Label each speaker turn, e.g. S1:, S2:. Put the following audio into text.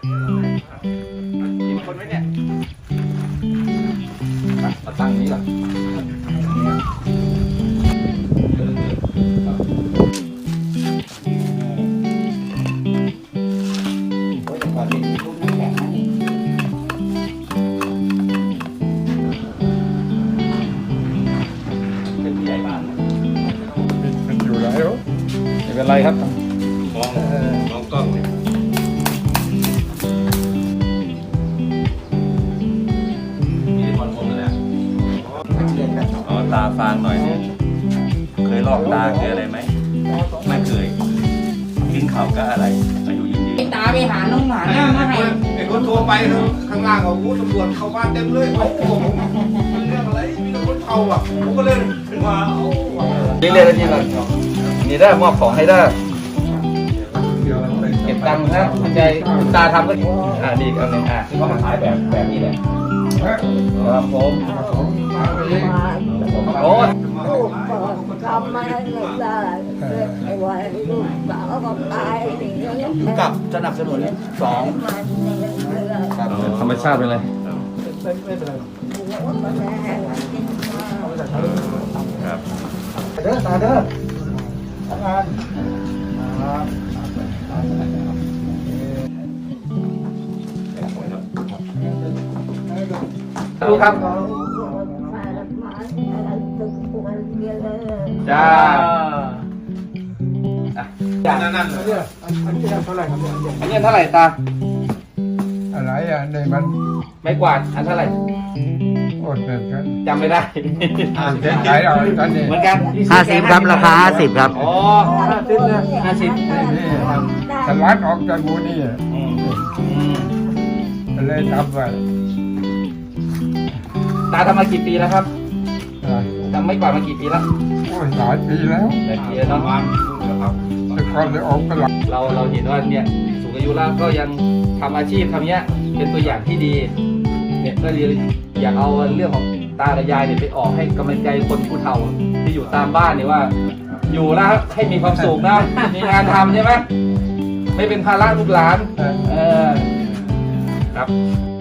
S1: กินคนไหมเนี่ยมาตั้งนี้ก่อนไม่เป็นไรครับมองกล้องเลยมีคนมองเลยอ๋อตาฟางหน่อยเนี่ยเคยลอกตาเคยอะไรไหมไม่เคยกินข่าวก็อะไรอายุยืน
S2: ตาไปหาน้องหมาหน้ามาให้
S3: ไอ้คนโทรไปข้างล่างเขาตำรวจเข้าบ้านเต็มเลยโอ้โหมันเรื่องอะไรมีแต่คนเผาอ่ะผมก็เลยขึ้นมา
S1: นี่เลยนี่เลยนี่ได้มอบของให้ได้เก็บตังค์นะคุณใจคุณตาทำก็ดีอีกอันหนึ่งที่เขามาขายแบบนี้แหละครับผมโอ้ย
S2: ทำไม่ได้ไอ้วันลูกสาวก็ตาย
S3: กับสนับสนุนสอง
S1: ธรรมชาติเป็นไรครับ
S3: เด้อตาเด้อทำงาน
S1: ดูครับจ้านั่น
S3: อันนี้เท่าไหร่ครับ
S1: อันนี้เท่าไหร่ตา
S3: อะไรอ่ะในมัน
S1: ไม่กวาดอันเท่าไหร่
S3: โอ้เด็ดกัน
S1: จำไม่ได้
S3: ขายเอาตอนนี้
S1: เหมือนกัน
S4: 50ครับราคา50ครับ
S1: อ๋อ50นะ50
S3: นี่ตลาดออกจากหมู่นี่เลยทำไป
S1: ตาทำมากี่ปีแล้วครับทำไม่กวาดมากี่ปีแล้ว
S3: โอ้ยหลายปีแล้ว
S1: หลายปีแล้วเนาะ
S3: แต่ก่อนเลยออกตลาด
S1: เราเห็นว่าเนี่ยสูงอายุแล้วก็ยังทำอาชีพทำเนี้ยเป็นตัวอย่างที่ดีเนี่ยก็เลยอยากเอาเรื่องของตาและยายเนี่ยไปออกให้กำลังใจคนผู้เฒ่าที่อยู่ตามบ้านเนี่ยว่า อยู่แล้วให้มีความสุขนะมีงานทำใช่ไหมไม่เป็นภาระลูกหลานครับ